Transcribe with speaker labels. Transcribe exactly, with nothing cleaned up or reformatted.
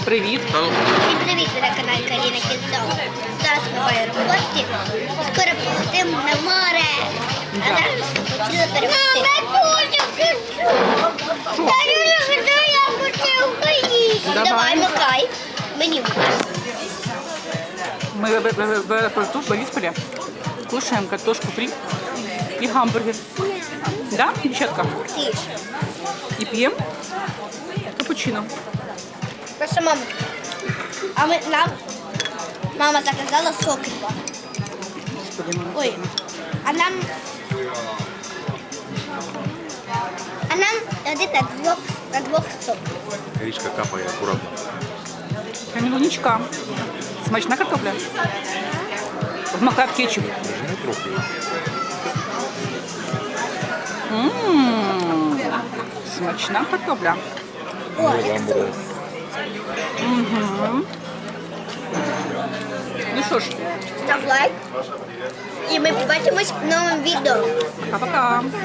Speaker 1: Привіт.
Speaker 2: Всім привіт, ви на каналі Каріна Кінцова. Зараз ми в аеропорті. Скоро полетимо на море. А зараз ми хотіли перекусити. Я хочу українську. Давай, макай. Мені.
Speaker 1: Мы в, в, в аэропорту в Борисполе кушаем картошку фри и гамбургер. Да, девчатка?
Speaker 2: Ти ж.
Speaker 1: И пьем капучино.
Speaker 2: Наша мама. А ми, нам мама заказала соки.
Speaker 1: Господи, мама.
Speaker 2: Ой, а нам... А нам один на двох, на двох сок.
Speaker 3: Річка капає акуратно.
Speaker 1: Камелуничка. Смачна картопля. Вмакай в кетчуп.
Speaker 3: Не трохи.
Speaker 1: Ммм, смачна картопля.
Speaker 2: О, як соус.
Speaker 1: Угу. Ну що ж,
Speaker 2: Став лайк. І ми побачимось в новому відео.
Speaker 1: пока-пока.